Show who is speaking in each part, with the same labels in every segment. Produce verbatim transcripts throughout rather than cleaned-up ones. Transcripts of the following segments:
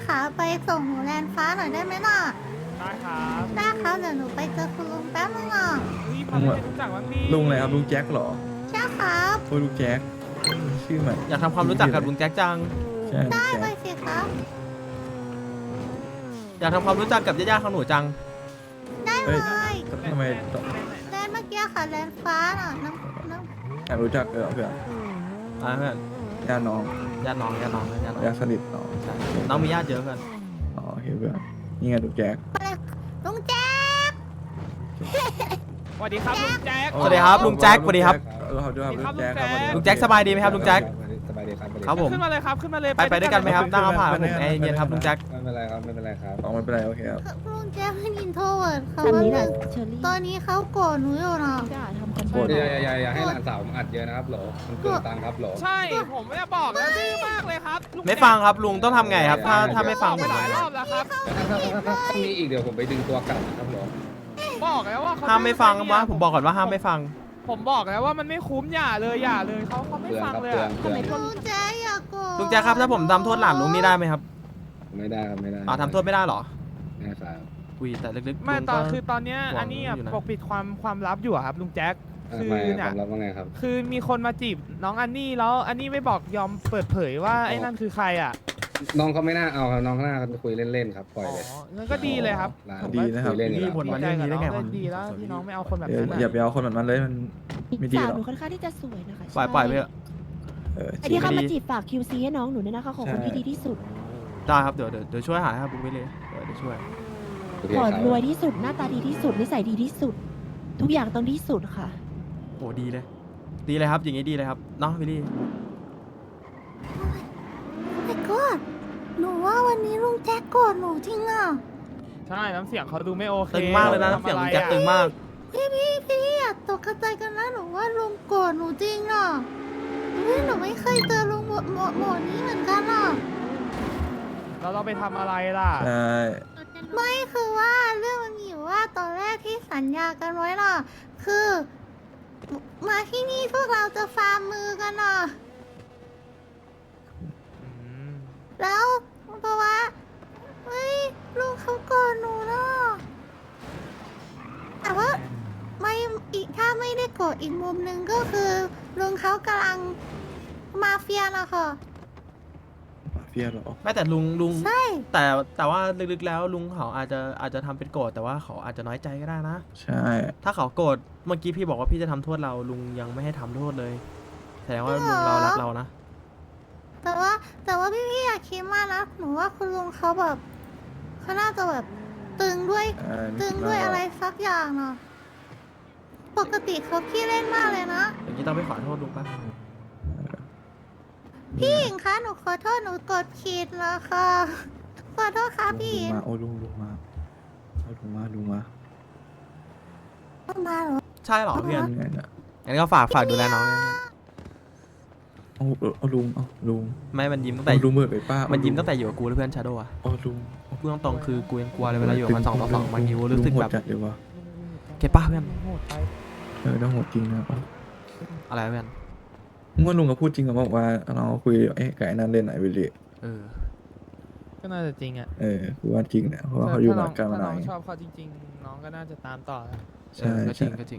Speaker 1: คะไปส่งหนูแลนฟ้าหน่อยได้ไหมน่ะ
Speaker 2: ได้ครับ
Speaker 1: ได้ครับเดี๋ยวหนูไปเจอคุณลุงแป๊บนึงอ่ะ
Speaker 2: นี่พาไปรู้จักบ้างดิ
Speaker 3: ลุงอะไรครับลุงแจ็คเหรอ
Speaker 1: ใช่ครับ
Speaker 3: โอ้ยลุงแจ็คชื่อใหม่
Speaker 4: อยากทำความรู้จักกับลุงแจ็คจัง
Speaker 3: ใช่ลุง
Speaker 1: ได้
Speaker 3: แจ็
Speaker 1: เล
Speaker 3: ค
Speaker 1: ยสิครับ
Speaker 4: อยากทำความรู้จักกับญาติๆของหนูจัง
Speaker 1: ได้เล
Speaker 3: เอ้ย
Speaker 1: ย
Speaker 3: ทำไมต้อง
Speaker 1: แลนเมื่อกี้ค่ะแลนฟ้าน่ะน้ำน้
Speaker 3: อยากรู้จักเออเพื่อน
Speaker 4: อ่าเพื่อน
Speaker 3: ญาติน้อง
Speaker 4: ญาติน้องญาติน้องญาติน้อง
Speaker 3: ญาติสนิทน้อง
Speaker 4: ใช่น้องมีญาติเยอะเพื่อน
Speaker 3: อ๋อโอเคเพื่อนนี่ไงลุงแจ็ค
Speaker 1: ำอะไรลุงแจ๊ค
Speaker 2: สวัสดีครับลุงแจ็ค
Speaker 4: สวัสดีครับลุงแจ็คสวัสดีครับ
Speaker 3: เออเขาด้วยครับลุงแจ็คครับ
Speaker 4: ลุงแจ็คสบายดีไหมครับลุงแจ็ค
Speaker 5: สบายดีครับ
Speaker 4: ครับผม
Speaker 2: ขึ้นมาเลยครับขึ้นมาเลย
Speaker 4: ไปไปด้วยกันไหมครับนั่งเอาผ่านผมแอร์เย็นครับลุงแจ็ค
Speaker 5: ไม่เป็นไรครับไม่เป็นไรครับ
Speaker 3: อ๋อไม่เป็นไรโอเคครับ
Speaker 1: ลุงแจ๊คเป็นอินโทรเวิร์ดเขา
Speaker 6: แบบ
Speaker 1: ว่า
Speaker 6: นี้แห
Speaker 1: เรื่
Speaker 6: ละ
Speaker 1: อง
Speaker 6: เชอรี่
Speaker 1: ตอนนี้เขาโกรธหนูอยู่นะ
Speaker 6: จะทำกัน
Speaker 3: โกรธ
Speaker 5: อย่าอย่าอย่าอย่าให้หลานสาวผมอัดเยอะนะครับโหลมันเกินตังค์ครับโหล
Speaker 2: ใช่ผมไม่ได้บอกนะดื้อมากเลยครับลุ
Speaker 4: ไม่ฟังครับลุงต้องทำไงครับ ถ้าถ้าไม่ฟัง
Speaker 2: ไป
Speaker 4: ผม
Speaker 2: หลายรอบแล้วครับ
Speaker 5: ถ้าถ้าถ้าถ้าถ้ามีอีกเดี๋ยวผมไปดึงตัวกลับนะครับโหล
Speaker 2: บอกแล้วว่าเขา
Speaker 4: ห้ามไม่ฟังวะผมบอกก่อนว่าห้ามไม่ฟัง
Speaker 2: ผมบอกแล้วว่ามันไม่คุ้มอย่าเลยอย่าเลยเขาเขาไม่
Speaker 5: เตือน
Speaker 2: ฟัง
Speaker 5: ครับ
Speaker 2: เลย
Speaker 5: เตือน
Speaker 2: อะ
Speaker 5: เตือน
Speaker 1: ลุงแจ๊คอย่าโกรธ
Speaker 4: ลุงแจ็คครับถ้าผมทำโทษหลานลุงนี่ได้ไหมครับ
Speaker 5: ไม่ได้ครับไม่ได้
Speaker 4: อ๋อทำโทษไม่ได้เหรอ
Speaker 5: ไม่ได้ครับ
Speaker 4: อุ้ยแต่ลึกๆ
Speaker 2: ไม่
Speaker 4: ลุง
Speaker 2: ต
Speaker 4: ก็
Speaker 2: อนคือตอนเนี้ย
Speaker 4: หวัง
Speaker 2: อันนี้อะ
Speaker 4: อยู่นะ
Speaker 2: ปกปิดความความลับอยู่อะครับลุงแจ็ค
Speaker 5: อ่ะ
Speaker 2: คือ
Speaker 5: ไม่
Speaker 2: เนี่
Speaker 5: ค
Speaker 2: ย
Speaker 5: วามลับว่าไงครับ
Speaker 2: คือมีคนมาจีบน้องอันนี่แล้วอันนี่ไม่บอกยอมเปิดเผยว่าไอ้นั่นคือใครอ่ะ
Speaker 5: น้องเขาไม่น่าเอาครับน้องเขาน่าคุยเล่นๆครับปล่อย
Speaker 2: อ๋อ
Speaker 5: เลย
Speaker 2: งั้นก็ดีเลยครับ
Speaker 5: ร้าน
Speaker 2: ผม
Speaker 3: ดี
Speaker 2: ว่า
Speaker 3: นะครับ
Speaker 5: คุยเล่นอยู่
Speaker 4: พี่
Speaker 5: แล้ว
Speaker 4: บ่นมาเรื่องนี้ได้ไง
Speaker 2: ดีใจกับน้
Speaker 4: วะ
Speaker 2: องเลยดีแล้วที่น้องไม่เอาคนแบบ
Speaker 3: เดี๋ยว
Speaker 2: นั้น
Speaker 3: อย่า
Speaker 2: อะ
Speaker 3: ไปเอาคนแบบนั้นเลยมันไม่ดี
Speaker 6: สาว
Speaker 3: หร
Speaker 6: หนู
Speaker 3: อก
Speaker 6: ค่อนข้างที่จะสวยนะคะ
Speaker 4: ปล่อยปล่อยไปเถอะ
Speaker 3: เออ
Speaker 6: ไอ้ที่เข้ามาจีบฝาก คิว ซี ให้น้องหนูเนี่ยนะคะขอคนที่ดีที่สุด
Speaker 4: ได้ครับเดี๋ยวเดี๋ยวเดี๋ยวช่วยหาครับบุ๊กไปเลยเดี๋ยวเดี๋ยวช่วย
Speaker 5: โอเค
Speaker 6: ขอ
Speaker 5: ครับ
Speaker 6: รวยที่สุดหน้าตาดีที่สุดนิสัยดีที่สุด ทุกอย่างต้องที่สุดค่ะ
Speaker 4: โอ้ดีเลย ดีเลยครับอย่างงี้ดีเลยครับเนาะวิลลี่
Speaker 1: แต่ก็หนูว่าวันนี้ลุงแจ๊คโกรธหนูจริงอ่ะ
Speaker 2: ใช่น้ำเสียงเขาดูไม่โอเค
Speaker 4: ตึงมากเลยนะน้ำเสียงลุงแจ็คตึงมาก
Speaker 1: พี่พี่พี่อย่าตกใจกันนะหนูว่าลุงโกรธหนูจริงอ่ะพี่หนูไม่เคยเจอลุงโหมดโหมดโหมดนี้เหมือนกันอ่ะ
Speaker 2: แล้วเราไปทำอะไรล่ะ
Speaker 3: ใช่
Speaker 1: ไม่คือว่าเรื่องมันมีอยู่ว่าตอนแรกที่สัญญากันไว้น่ะ คือ มาที่นี่พวกเราจะฟาร์มมือกันน่ะ แล้วเพราะว่าเฮ้ยลุงเขาโกรธหนูเนาะแต่ว่าไม่อีกถ้าไม่ได้โกรธอีกมุมหนึ่งก็คือลุงเขากำลังมาเฟียนะค่ะ
Speaker 3: มาเฟียเหรอ
Speaker 4: ไม่แต่ลุงลุง
Speaker 1: ใช่
Speaker 4: แต่แต่ว่าลึกๆแล้วลุงเขาอาจจะอาจจะทำเป็นโกรธแต่ว่าเขาอาจจะน้อยใจก็ได้นะ
Speaker 3: ใช่
Speaker 4: ถ้าเขาโกรธเมื่อกี้พี่บอกว่าพี่จะทำโทษเราลุงยังไม่ให้ทำโทษเลยแสดงว่าลุงเรารักเรานะ
Speaker 1: แต่ว่าแต่ว่าพี่พี่อยากคิดมากนะหนูว่าคุณลุงเขาแบบเขาน่าจะแบบตึงด้วย
Speaker 3: เออ
Speaker 1: ตึงด้วยอะไรสักอย่างเนาะปกติเขาขี้เล่นมากเลยนะ
Speaker 4: อย่างนี้ต้องไปขอโทษลุงป่ะ
Speaker 1: พี่หญิงคะหนูขอโทษหนูกดผิดแล้วค่ะขอโทษค่ะพี่ห
Speaker 3: ลุ
Speaker 1: ญิ
Speaker 3: ง
Speaker 1: ง
Speaker 3: มาโอ้ลุงลุงมาเอาลุงมาลุงมา
Speaker 1: ต้องมาเหรอ
Speaker 4: ใช่เหรอเพื่อน
Speaker 3: ไงเนี่ย
Speaker 4: งั้นก็ฝากฝากดูแลน้องนะ
Speaker 3: เอาเอาลุงเอาลุง
Speaker 4: ไม่มันยิ้มตั้งแต่
Speaker 3: เอาลุงเบิดไปป้า
Speaker 4: มันยิ้ม
Speaker 3: เอาลุ
Speaker 4: ตั้งแต่อยู่กับกูแล้วเพื่อนชาโดว์อะ
Speaker 3: เอาลุง
Speaker 4: พูดตรงๆคือกูยังกลัวเลยเวลาอยู่กับมันสองต่อสองบางทีกูรู้สึก
Speaker 3: ลุงโห
Speaker 4: แบ
Speaker 3: ด
Speaker 4: บ
Speaker 3: จัดเลยวะ
Speaker 4: เก็บป้าเพื่อน
Speaker 2: โหดไป
Speaker 3: เออต้องโหดจริงนะเอา
Speaker 4: อะไรเพื่อน
Speaker 3: เมื่อลุงก็พูดจริงกับบอกว่าเราคุยเอ๊ะไก่นั่นเล่นไหนวิลลี่
Speaker 4: เออ
Speaker 2: ก็น่าจะจริงอ่ะ
Speaker 3: เออคือว่าจริงเนี่ยเพราะว่าเขาอยู่มากันมา
Speaker 2: ถ้าน้
Speaker 3: นา
Speaker 2: อน งชอบเขาจริง ๆ น้องก็น่าจะตามต่อแล้ว
Speaker 3: ใช่
Speaker 4: เออก็จริ
Speaker 3: ใช่
Speaker 4: งก็จริง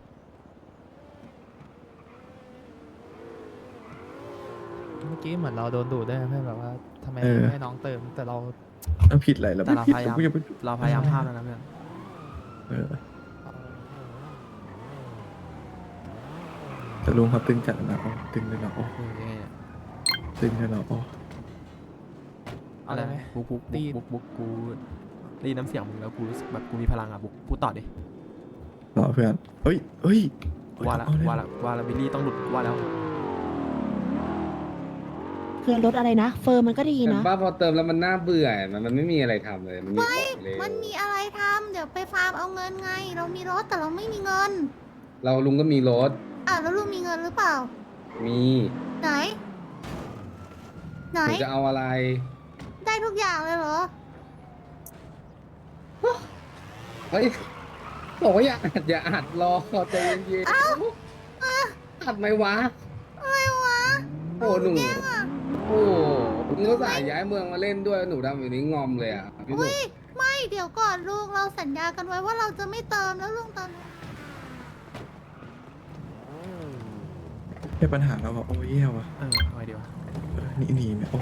Speaker 2: เมื่อกี้เหมือนเราโดนดูดด้วยนะเพื่อนแบบว่าทำไมไม่ให้น้องเติมแต่เรา
Speaker 3: ต้องผิดอะไรเรา
Speaker 4: แต่
Speaker 3: ไม่
Speaker 4: เรา
Speaker 3: ผิด
Speaker 4: พยายาม
Speaker 3: กูอย่าไป
Speaker 4: เราพยายามห้ามแล้วนะเพื่อน
Speaker 3: เออแต่ลุงเขาตึงจัดนะอ๋อตึงเลยนะอ๋อ
Speaker 4: เออยังไงเนี่ย
Speaker 3: ตึงเลยนะอ๋อ
Speaker 4: อะไรนะบุ๊กบุ๊กบุ๊กบุ๊กบุ๊กกูได้ยินน้ำเสียงมึงแล้วกูรู้สึกแบบกูมีพลังอ่ะบุ๊กพูดต่อดิ
Speaker 3: รอเพื่อนเฮ้ยเฮ้ย
Speaker 4: ว่าละ
Speaker 3: เอเย
Speaker 4: ว่าละว่าละบิลลี่ต้องหลุดว่าแล้ว
Speaker 6: คือรถอะไรนะ เฟอร์มันก็ดี
Speaker 5: เห็น
Speaker 6: นะ
Speaker 5: ป้าพอเติมแล้วมันน่าเบื่อมันมันไม่มีอะไรทำเลยมันมีของเลย
Speaker 1: มันมีอะไรทำเดี๋ยวไปฟาร์มเอาเงินไง เรามีรถแต่เราไม่มีเงิน
Speaker 5: เราลุงก็มีรถ
Speaker 1: อ่ะแล้วลุงมีเงินหรือเปล่า
Speaker 5: มี
Speaker 1: ไหน ไหน
Speaker 5: หนูจะเอาอะไร
Speaker 1: ได้ทุกอย่างเลยเหรอ
Speaker 5: เฮ้ยบอกว่าอย่าอัดอย่าอัดรอใจเย็นๆอัดไหมวะ
Speaker 1: อะไรวะ
Speaker 5: โอ้หนู
Speaker 1: แย่งอ่ะ
Speaker 5: โอ้มึงก็สายย้ายเมืองมาเล่นด้วยหนูดำอยู่นี้งอมเลยอ่ะพี่หนุ่
Speaker 1: อุ้
Speaker 5: ม
Speaker 1: ยไม่เดี๋ยวก่อนลุงเราสัญญากันไว้ว่าเราจะไม่เติมแล้วลุงเติม
Speaker 3: แค่ปัญหาแล้วว่ะโอ้ยแย่ว่ะ
Speaker 4: เออเอาไงดีวะ
Speaker 3: เออหนี่นี่เนี่ยโอ้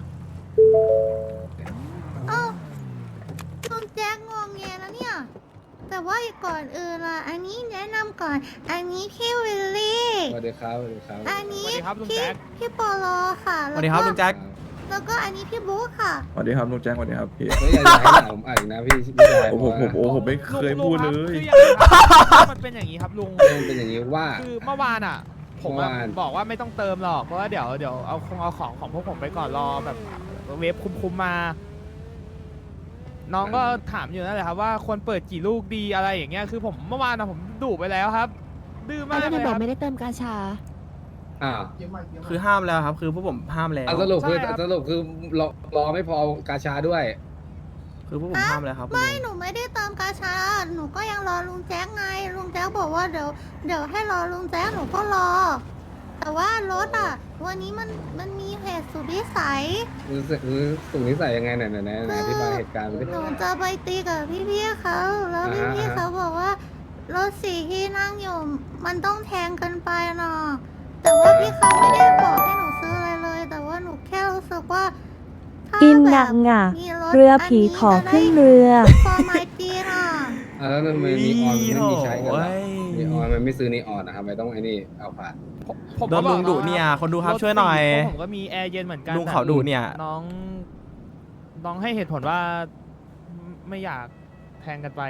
Speaker 1: เอ้าลุงแจ็คงวงเงียแล้วเนี่ย แต่ว่าก่อนอื่นล่ะอันนี้แนะนำก่อน อันนี้พี่วิลลี่
Speaker 5: สวัสดีครับสวัสดีครับ
Speaker 1: อันนี้
Speaker 2: สวัสดีครับลุง
Speaker 1: พี่
Speaker 2: แจ็ค
Speaker 1: พี่ปอลอค่ะ
Speaker 4: สวัสดีครับลุงแจ็ค
Speaker 1: แล้วก็อันนี้พี่บุ๊คค่ะ
Speaker 3: สวัสดีครับลุงแจ้งสวัสดีครับพี่
Speaker 5: ไม่อยากจะให้หนาผมอ่านอีกนะพี่พี่ชาย
Speaker 3: โอ้
Speaker 5: เพ
Speaker 3: โห
Speaker 5: ราะ
Speaker 3: ผม
Speaker 5: ว่า
Speaker 3: โอ้ผมไม่เคยพูดเลย
Speaker 2: ลุงครับคืออย่างนี้ครับมันเป็นอย่างนี้ครับลุง
Speaker 5: มันเป็นอย่างนี้ว่า
Speaker 2: คือเมื่อวานอ่ะ ผมอะ
Speaker 5: เมื่อวาน
Speaker 2: บอกว่าไม่ต้องเติมหรอกเพราะว่าเดี๋ยวเดี๋ยวเอาคงเอาของของพวกผมไปก่อนรอแบบเวฟคุ้มๆมา น้องก็ถามอยู่นั่นแหละครับว่าควรเปิดกี่ลูกดีอะไรอย่างเงี้ยคือผมเมื่อวานอะผมดุไปแล้วครับ ดื้อ
Speaker 6: ไม่
Speaker 2: มากเล
Speaker 6: ได้
Speaker 2: ย
Speaker 6: บ
Speaker 2: ค
Speaker 6: อก
Speaker 2: รับ
Speaker 6: ไม่ได้เติมกาชา
Speaker 5: อ้าว
Speaker 4: คือห้ามแล้วครับ คือพวกผมห้ามแล้ว
Speaker 5: อ่ะสรุปคือ
Speaker 2: ใช่ครับ
Speaker 5: สรุปคือรอรอไม่พอกาชาด้วย
Speaker 4: คือพวกผมห้ามแล้วครับคุณ
Speaker 1: ไม่
Speaker 4: ลุง
Speaker 1: หนูไม่ได้เติมกาชา หนูก็ยังรอลุงแจ๊กไง ลุงแจ๊กบอกว่าเดี๋ยวเดี๋ยวให้รอลุงแจ๊กหนูก็รอ แต่ว่ารถอ่ะ วันนี้มันมันมีเหตุสุดวิสัย
Speaker 5: รู้สึกรู้สูงนิสัยยังไงไหนไหนไหนไหนอธิบายเหตุการณ์มาดิ
Speaker 1: หนูจะไปตีกับพี่ๆเขา แล้ว
Speaker 5: อ่า
Speaker 1: พี่
Speaker 5: ฮะ
Speaker 1: ๆเขาบอกว่ารถสี่ที่นั่งอยู่ มันต้องแทงกันไปเนาะแต่ว่าพี่เขาไม่ได้บอกให้หนูซื้ออะไรเลย แต่ว่าหนูแค่รู้สึกว่าถ้า
Speaker 7: กิน
Speaker 1: แบ
Speaker 7: หนั
Speaker 1: บ
Speaker 7: กหงัก
Speaker 1: มีรถ
Speaker 7: เรือผีขอขึ้นเรือ
Speaker 1: ฟอร์มายจีนอ่ะ
Speaker 5: อ่ะแล้วทำไมนีออนมันไม่มีใช้กันล่ะ
Speaker 4: โอ้ย
Speaker 5: นีออนมันไม่ซื้อนีออนนะครับไม่ต้องไอ้นี่เอาผ่าน
Speaker 2: ผมผม
Speaker 4: โดนลุงดุเนี่ยคนดูครับช่วยหน่อย
Speaker 2: รถสี่ผมก็มีแอร์เย็นเหมือนกัน
Speaker 4: ลุงเขาดุเนี่ย
Speaker 2: น้องน้องให้เหตุผลว่าไม่อยากแทงกันไป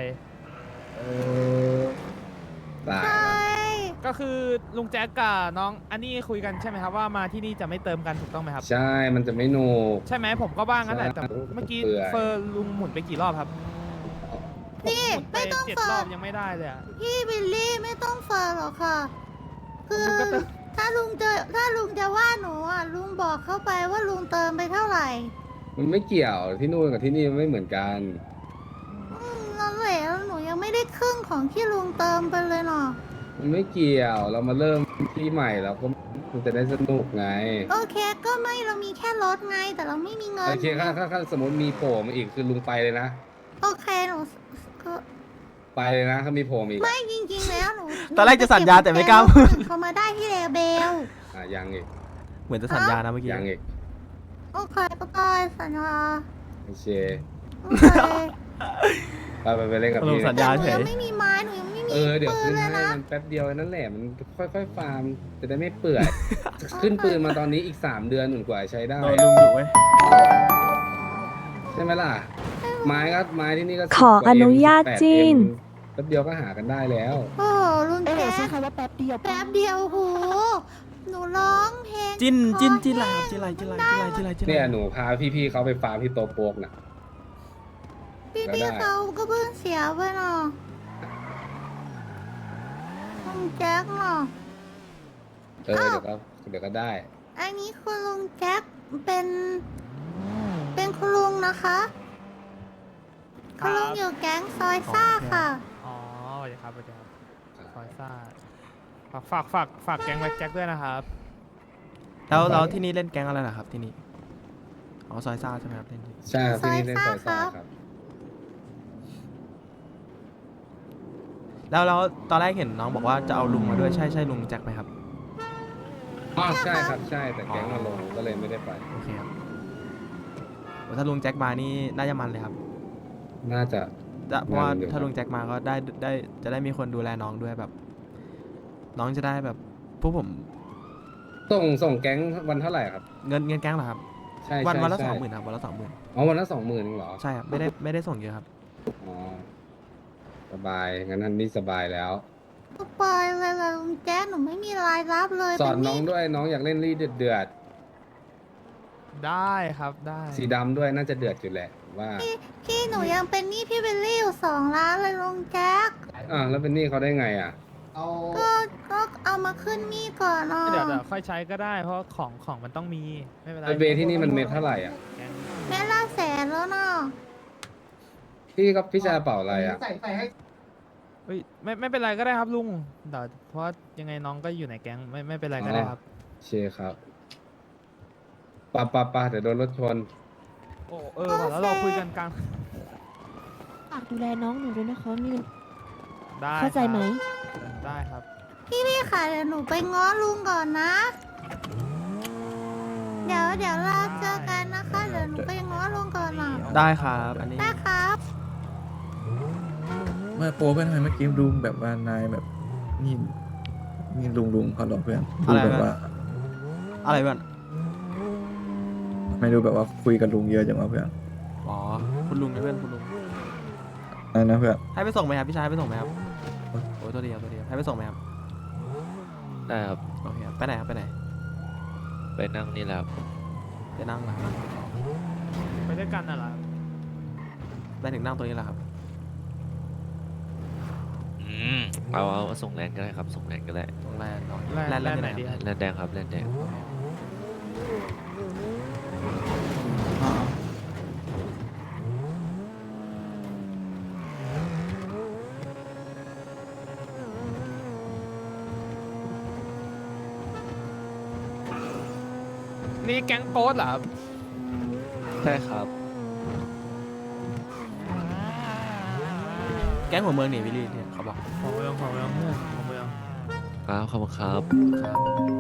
Speaker 5: ตาย
Speaker 1: ใช่
Speaker 2: ก็คือลุงแจ๊กกับน้องอันนี้คุยกันใช่ไหมครับว่ามาที่นี่จะไม่เติมกันถูกต้องไหมครับ
Speaker 5: ใช่ มันจะไม่โน
Speaker 2: ใช่ไหมผมก็บ้างงั้นแหละ
Speaker 5: ใช่
Speaker 2: แต่เมื่อกี้
Speaker 5: เปื่อย
Speaker 2: เฟอร์ลุงหมุนไปกี่รอบครับ
Speaker 1: นี่
Speaker 2: หมุนไป
Speaker 1: ไม่ต้อง
Speaker 2: เจ็ด
Speaker 1: เฟิ
Speaker 2: รอ
Speaker 1: ร์
Speaker 2: บยังไม่ได้เลยอะ
Speaker 1: พี่บิลลี่ไม่ต้องเฟิร์หรอกค่ะ คือ
Speaker 2: ลุงก็เติม
Speaker 1: ถ้าลุงจะถ้าลุงจะว่าหนูอ่ะลุงบอกเข้าไปว่าลุงเติมไปเท่าไหร่
Speaker 5: มันไม่เกี่ยวที่นู่นกับที่นี่มันไม่เหมือนกัน
Speaker 1: อืมนั่นแหละแล้วหนูยังไม่ได้ครึ่งของที่ลุงเติมไปเลยเนาะ
Speaker 5: มันไม่เกี่ยวเรามาเริ่มที่ใหม่แล้วก็มันจะได้สนุกไง
Speaker 1: โอเคก็ไม่เรามีแค่รถไงแต่เราไม่มีเงิน
Speaker 5: โอเคถ้าถ้าถ้าสมมติมีโผล่มาอีกคือลุงไปเลยนะ
Speaker 1: โอเคหนูก็
Speaker 5: ไปเลยนะถ้ามีโผล่มาอีก
Speaker 1: ไม่จริงๆแล้วหนู
Speaker 4: ตอนแรกจะสัญญาแต่ไม่กล้าพูด
Speaker 1: เขามาได้ที่เลเบล
Speaker 5: อ่ะยังอีก
Speaker 4: เหมือนจะสัญญานะเมื่อกี้
Speaker 5: ยังอีก
Speaker 1: โอเคก็ได้สัญญา
Speaker 5: โอเค
Speaker 1: โอเค
Speaker 5: ไปไปไปเล่นกับ
Speaker 4: ลุ
Speaker 5: พี่
Speaker 4: งสัญ
Speaker 1: แต่
Speaker 4: ญา
Speaker 1: หนู
Speaker 4: เฉ
Speaker 1: ยั
Speaker 4: ย
Speaker 1: งไม่มีไม้หนูยังไม่มี
Speaker 5: เออเดี๋ยว
Speaker 1: ปื
Speaker 5: ขึ้
Speaker 1: น
Speaker 5: น
Speaker 1: เลย
Speaker 5: ให้
Speaker 1: นะ
Speaker 5: มันแป๊บเดียวนั่นแหละมันค่อยๆฟาร์มจะได้ไม่เปื่อยขึ้นปืนมาตอนนี้อีกสามเดือนหนุนกว่าใช้ได้
Speaker 4: โดนลุงดุเว้ย
Speaker 5: ใช่ไหมล่ะ ไม้ก็ไม้ที่นี่ก็
Speaker 7: ขออนุญาตจิ้น
Speaker 5: แป๊บเดียวก็หากันได้แล้ว
Speaker 1: โอ้โหลุง
Speaker 6: เออ
Speaker 1: แจ๊
Speaker 6: ใช้
Speaker 1: ค
Speaker 6: คำว่าแป๊บเดียว
Speaker 1: แป๊บเดียวโหหนูร้องเพลง
Speaker 4: จิ้นจิ้น
Speaker 1: คอ
Speaker 4: จิ้นอะไรค
Speaker 1: แห้
Speaker 4: รับ
Speaker 1: ง
Speaker 4: จิ้นอะไรจิ้นอะไรจิ้นอะไรจิ้นอะไรจิ้นอะไร
Speaker 5: เนี่ยหนูพาพี่ๆเขาไปฟาร์มที่โตโปกน่ะ
Speaker 1: พี่
Speaker 5: ก็
Speaker 1: พี่
Speaker 5: ได้
Speaker 1: เขาก็เพิ่งเสียไปเนาะลุงแจ็คเนาะ
Speaker 5: เออเดี๋ยวก็เดี๋ยวก็ได้
Speaker 1: อันนี้คุณลุงแจ็คเป็น เป็นคุณลุงนะคะคุณลุงอยู่แก๊งซอยซ่าค่ะ
Speaker 2: อ๋อสวัสดีครับสวัสดีครับซอยซ่าฝากฝากฝากฝากแก๊งแบ็คแจ็คด้วยนะครับ
Speaker 4: แล้วแล้วที่นี่เล่นแก๊งอะไรนะครับที่นี่อ๋อซอยซ่าใช่ไหมครับเล่นที่
Speaker 5: ใช่ครับที่นี่เล่น
Speaker 1: ซ
Speaker 5: ซ
Speaker 1: อ
Speaker 5: อย ย
Speaker 1: ซ่า
Speaker 5: ซ่า
Speaker 1: ครับ
Speaker 5: ครับ
Speaker 4: แล้วแล้วตอนแรกเห็นน้องบอกว่าจะเอาลุงมาด้วยใช่ใช่ลุงแจ็คไหมครับ
Speaker 5: อ๋อใช่ครับใช่แต่แก๊งมาลงก็เลยไม่ได้ไป
Speaker 4: โอเคครับโอ้ถ้าลุงแจ็คมานี่น่าจะมันเลยครับ
Speaker 5: น่าจะ
Speaker 4: จะเพราะว่า
Speaker 5: มันอยู่
Speaker 4: ถ้าลุงแจ็คมาก็ได้ได้จะได้มีคนดูแลน้องด้วยแบบ น้องจะได้แบบพวกผม
Speaker 5: ส่งส่งแก๊งวันเท่าไหร่ครับ
Speaker 4: เงินเงินแก๊งเหรอครับ
Speaker 5: ใช่
Speaker 4: วัน
Speaker 5: ใช่
Speaker 4: วันละ
Speaker 5: ใช่
Speaker 4: สองหมื่นครับวันละสองหมื่น
Speaker 5: อ๋อวันละสองหมื่นเหรอ
Speaker 4: ใช่ครับไม่ได้ไม่ได้ส่งเยอะครับ
Speaker 5: อ๋อสบายงั้นท่านนี่สบายแล้ว
Speaker 1: ก็ปล่อยเลยล่ะลุงแจ๊คหนูไม่มีรายรับเลย
Speaker 5: สอน
Speaker 1: เป็
Speaker 5: น้อง
Speaker 1: ห
Speaker 5: ด้วยน้องอยากเล่นรีดเดือดเดือด
Speaker 2: ได้ครับได้
Speaker 5: ๆสีดำด้วยน่าจะเดือดอยู่แหละว่า
Speaker 1: พี่หนูยังเป็นหนี้พี่เบลลี่อยู่สองล้านเลยลุงแจ๊ค
Speaker 5: อ่าแล้วเป็นหนี่เขาได้ไงอ่ะ
Speaker 1: ก็ก็เอามาขึ้นหนี้ก่อนเนาะ
Speaker 2: เดี๋ยวเดี๋ยวค่อยใช้ก็ได้เพราะของของมันต้องมีไม่เป็นไร
Speaker 5: ไอเบที่นี่มันเม็ดเท่าไหร่อ่ะ
Speaker 2: แก๊ง
Speaker 1: แม่ละแสนแล้วเนาะ
Speaker 5: พี่ก็พี่ชายเป่าอะไรอ่ะ
Speaker 2: เฮ้ยไม่ไม่เป็นไรก็ได้ครับลุงเดี๋ยวเพราะยังไงน้องก็อยู่ในแก๊งไม่ไม่เป็นไรก็ได้ครับ
Speaker 5: โอเคครับปะปะปะเดี๋ยวโดนรถชน
Speaker 2: โอ้เออว่ะแล้วเราคุยกันกลาง
Speaker 6: ฝากดูแลน้องหนูด้วยนะคะมี
Speaker 2: ได้
Speaker 6: เข้าใจไหม
Speaker 2: ครับได้ครับ
Speaker 1: พี่พี่ค่ะเดี๋ยวหนูไปง้อลุงก่อนนะ เดี๋ยวเดี๋ยวเราเจอกันนะคะ เดี๋ยวหนูไปง้อลุงก่อนอ่ะ
Speaker 4: ได้ครับอันนี้
Speaker 1: ได้ครับ
Speaker 3: เมื่อโปเพื่อนทำไมเมื่อกี้ดูแบบว่านายแบบนี่นี่ลุงลุงเขาหรอเพื่อนดูแบบว่า
Speaker 4: อะไรเพื่อน
Speaker 3: ไม่ดูแบบว่าคุยกับลุงเยอะจังวะเพื่อน
Speaker 4: อ๋อคุณลุงนะเพื่อนคุณลุง
Speaker 3: นั่นนะเพื่อน
Speaker 4: ให้ไปส่งไหมครับพี่ชายให้ไปส่งไหมครับโอ้ยตัวเดียวตัวเดียวให้ไปส่งไหมครับ
Speaker 8: ได้ครับ
Speaker 4: โอเคครับไปไหนครับไปไหน
Speaker 8: ไปนั่งนี่แหละครับ
Speaker 4: จะนั่งเหรอครับ
Speaker 2: ไปด้วยกันน่ะเหรอ
Speaker 4: ไปถึงนั่งตัวนี้แหละครับ
Speaker 8: อืมเอาเอาเอาส่งแลนด์ก็ได้ครับ ส่งแลนด์ก็ได้
Speaker 4: ตรงแลนด์เนาะ
Speaker 2: แลนด์
Speaker 4: แลนด์แลนด์
Speaker 2: แล
Speaker 4: ที่
Speaker 2: นด์
Speaker 4: ไหน
Speaker 2: ไหนดี
Speaker 4: ครับ
Speaker 8: แลนด์แดงครับแลนด์แดง
Speaker 2: นี่แก๊งโป๊ดเหรอครับ
Speaker 8: ใช่ครับ
Speaker 4: แก๊งหัวเมืองนี่วิลลี่เนี่ยเขาบอก
Speaker 2: ของเมืองของเมืองเพื่อนของเมือง
Speaker 8: ครับขอบคุณครับ
Speaker 4: ครับ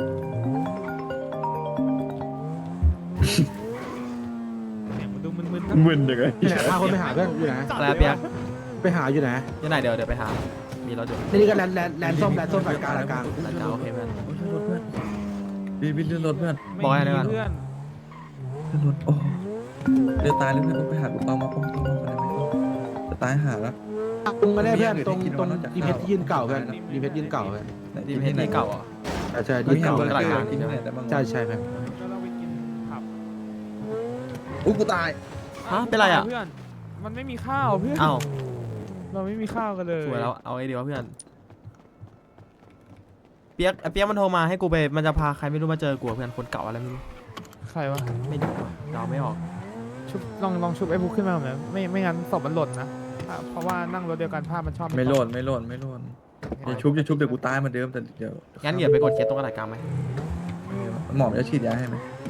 Speaker 2: เสียงมันดูมึนๆนะ
Speaker 3: มึนยังไง
Speaker 9: ที่ไหนพาคนไปหาเพื่อนอยู่ไหน
Speaker 4: อะไรอะเปียก
Speaker 9: ไปหาอยู่ไหน
Speaker 4: ยังไงเดี๋ยวเดี๋ยวไปหามีรถอยู่
Speaker 9: นี่นี่ก็แลนด์แลนด์แลนด์ส้มแลนด์ส้มสายกลางสายกลาง
Speaker 4: อาจจะโอเคเพื่อน
Speaker 3: รถเพื่อนบีบีเลื่อนรถเพื่อน
Speaker 2: ไม่
Speaker 4: บอกให้ได้
Speaker 2: มี
Speaker 4: ปะ
Speaker 2: เพื่อน
Speaker 3: เลื่อนรถโอ้เดือดตายเลยเพื่อนต้องไปหาลูกเปามาป้องกันมาอะไรไหมจะตายหาแล้ว
Speaker 9: ตรงกันได้เพื่อนตรง
Speaker 3: มีอย่างอื่นให้กิน
Speaker 9: ตรง
Speaker 3: นอกจาก
Speaker 9: ดีเพชรยื่นเก่าเพื่อนดีเพชรยื่นเก่าเพื่อน
Speaker 4: ดีเพชรที่เก่าเหรอ
Speaker 9: ใช่ใช่
Speaker 3: มี
Speaker 9: ยื่น
Speaker 3: เก่า
Speaker 9: เก่า
Speaker 3: เล
Speaker 9: เพื่
Speaker 3: ย
Speaker 9: อน
Speaker 3: กินที่ไหนได้บ้าง
Speaker 9: ใช่ใช่เพื่อน
Speaker 2: ก็เราไปกินผับ
Speaker 3: อู้กูตาย
Speaker 4: ฮะเป็นไรอ่ะ
Speaker 2: เพื่อนมันไม่มีข้าวเพื่อน
Speaker 4: อ้าว
Speaker 2: เราไม่มีข้าวกันเลย
Speaker 4: สวยแล้วเอาไอเดียวะเพื่อนเปียกไอ้เปียกมันโทรมาให้กูไปมันจะพาใครไม่รู้มาเจอกูอะเพื่อนคนเก่าอะไรไม่รู้
Speaker 2: ใครวะ
Speaker 4: ไม่รู้อะเดาไม่ออก
Speaker 2: ชุบลองลองชุบไอ้บุ๊กขึ้นมาหน่อยไม่ไม่งั้นศพมันหล่นนะเพราะว่านั่งรถเดียวกันภาพมันชอบ
Speaker 3: ไม่โหลดไม่โหลดไม่โหลดจะชุบจะชุบเดี๋ยวกูตายเหมาเดิมแต่เดี๋ยว
Speaker 4: งั้นเดี๋ยวไปกดเคสตรงกระดาษกลางไหม
Speaker 3: หมอมันจะฉีดยาให้ไหม